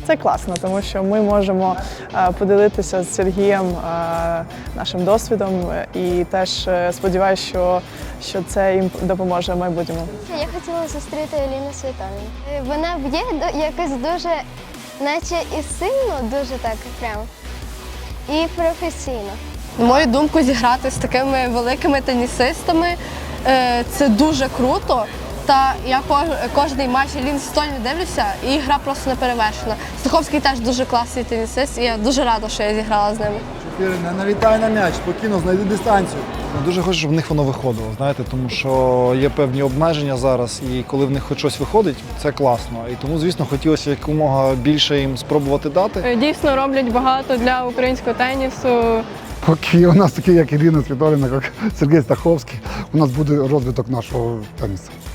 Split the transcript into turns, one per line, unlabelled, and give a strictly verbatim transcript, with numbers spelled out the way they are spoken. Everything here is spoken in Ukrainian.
це класно, тому що ми можемо поділитися з Сергієм нашим досвідом і теж сподіваюся, що, що це їм допоможе в майбутньому.
Я хотіла зустріти Еліну Світоліну. Вона б'є якось дуже, наче і сильно, дуже так прям, і професійно.
На мою думку, зіграти з такими великими тенісистами – це дуже круто. Та я кожний матч Еліни Світоліни дивлюся, і гра просто неперевершена. Стаховський теж дуже класний тенісист, і я дуже рада, що я зіграла з ними.
Чотири, не налітай на м'яч, спокійно, знайди дистанцію. Я дуже хочу, щоб в них воно виходило, знаєте, тому що є певні обмеження зараз, і коли в них хоч щось виходить, це класно. І тому, звісно, хотілося якомога більше їм спробувати дати.
Дійсно роблять багато для українського тенісу.
Поки у нас такі, як Ірина Світоліна, як Сергій Стаховський, у нас буде розвиток нашого тенісу.